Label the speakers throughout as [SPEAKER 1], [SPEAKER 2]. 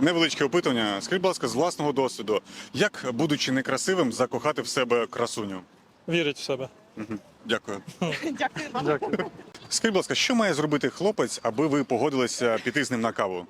[SPEAKER 1] Невеличке опитування. Скажіть, будь ласка, з власного досвіду, як, будучи некрасивим, закохати в себе красуню?
[SPEAKER 2] Вірить в себе.
[SPEAKER 1] Дякую.
[SPEAKER 3] Дякую вам.
[SPEAKER 2] Дякую.
[SPEAKER 1] Скажіть, будь ласка, що має зробити хлопець, аби ви погодилися піти з ним на каву?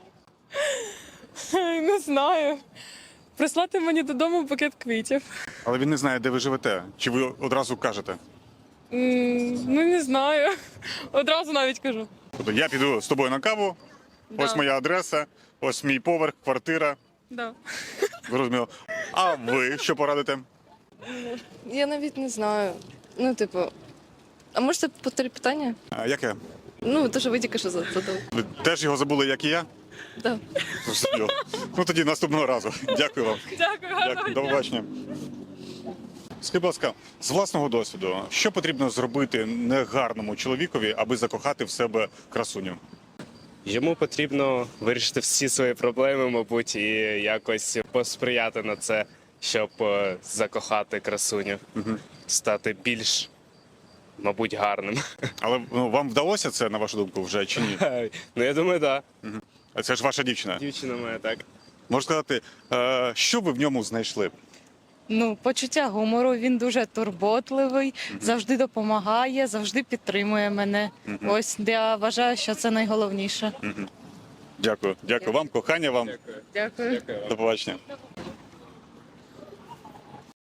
[SPEAKER 4] Не знаю. Прислати мені додому букет квітів.
[SPEAKER 1] Але він не знає, де ви живете. Чи ви одразу кажете?
[SPEAKER 4] Ну, не знаю. Одразу навіть кажу.
[SPEAKER 1] Тобто я піду з тобою на каву, ось
[SPEAKER 4] Да.
[SPEAKER 1] моя адреса, ось мій поверх, квартира.
[SPEAKER 4] Да.
[SPEAKER 1] Зрозуміло. А ви що порадите?
[SPEAKER 5] Я навіть не знаю. Ну, типу, а можете повторити питання?
[SPEAKER 1] А, яке?
[SPEAKER 5] Ну, то, що ви тільки що задали.
[SPEAKER 1] Ви теж його забули, як і я?
[SPEAKER 5] Да.
[SPEAKER 1] Зрозуміло. Ну тоді наступного разу. Дякую вам.
[SPEAKER 4] Дякую, гарного
[SPEAKER 1] Дякую.
[SPEAKER 4] дня.
[SPEAKER 1] До побачення. Скажіть, будь ласка, з власного досвіду, що потрібно зробити негарному чоловікові, аби закохати в себе красуню?
[SPEAKER 6] Йому потрібно вирішити всі свої проблеми, мабуть, і якось посприяти на це, щоб закохати красуню, стати більш, мабуть, гарним.
[SPEAKER 1] Але вам вдалося це, на вашу думку, вже чи ні?
[SPEAKER 6] Ну, я думаю, так.
[SPEAKER 1] А це ж ваша дівчина.
[SPEAKER 6] Дівчина моя, так.
[SPEAKER 1] Можу сказати, що ви в ньому знайшли?
[SPEAKER 7] Ну, почуття гумору, він дуже турботливий, завжди допомагає, завжди підтримує мене. Ось я вважаю, що це найголовніше.
[SPEAKER 1] Дякую. Дякую вам, кохання вам.
[SPEAKER 4] Дякую.
[SPEAKER 1] До побачення.